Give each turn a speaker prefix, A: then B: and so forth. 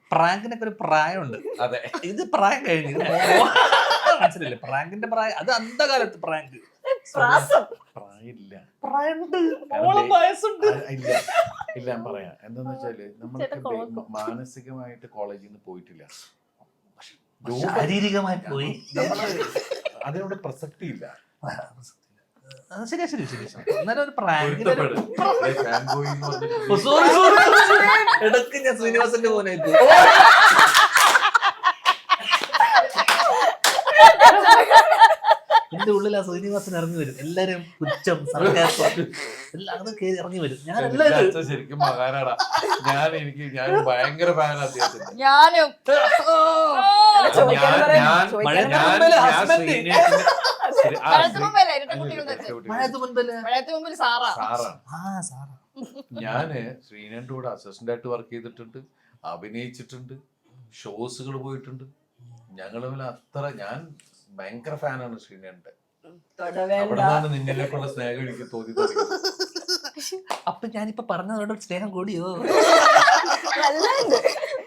A: പ്രാങ്കിനൊക്കെ ഒരു പ്രായമുണ്ട്.
B: അതെ,
A: ഇത് പ്രായം കഴിഞ്ഞു. ഇത് മനസ്സിലല്ലേ പ്രാങ്കിന്റെ പ്രായം? അത് അന്ധകാലത്ത് പ്രാങ്ക്.
B: പ്രായമില്ല,
A: പ്രായമുണ്ട്,
B: കാരണം
A: വയസ്സുണ്ട്.
B: ഇല്ല ഇല്ല ഞാൻ പറയാം. എന്താന്ന് വെച്ചാല് നമ്മൾക്ക് മാനസികമായിട്ട് കോളേജിൽ നിന്ന് പോയിട്ടില്ല,
A: ശാരീരികമായി പോയി.
B: അതിനോട് പ്രസക്തി ഇല്ല.
A: ശരിയാ ശരി ശരി. എന്നാലും ഒരു പ്രാങ്ക് ഇടക്ക് ഞാൻ ശ്രീനിവാസന്റെ മോനായിട്ട് എന്റെ ഉള്ളിൽ ആ ശ്രീനിവാസൻ ഇറങ്ങി വരും. എല്ലാരും പുച്ഛം സർക്കാസം എല്ലാം അത് കേറി ഇറങ്ങി വരും. ഞാൻ എല്ലാവരും
B: ശരിക്കും മഹാനാടാ. ഞാൻ ഭയങ്കര ഫാനാണ് അദ്ദേഹത്തിന്.
C: ഞാനും
B: ഞാന് ശ്രീനന്റെ കൂടെ അസിസ്റ്റന്റ് ആയിട്ട് വർക്ക് ചെയ്തിട്ടുണ്ട്, അഭിനയിച്ചിട്ടുണ്ട്, ഷോസുകൾ പോയിട്ടുണ്ട്. ഞങ്ങൾ അത്ര ഞാൻ ഭയങ്കര ഫാനാണ് ശ്രീനന്റെ. അവിടെന്നാണ് നിന്നിലേക്കുള്ള സ്നേഹം എനിക്ക് തോന്നി തുടങ്ങിയത്.
A: അപ്പൊ ഞാനിപ്പോ പറഞ്ഞതോടെ സ്നേഹം കൂടിയോ?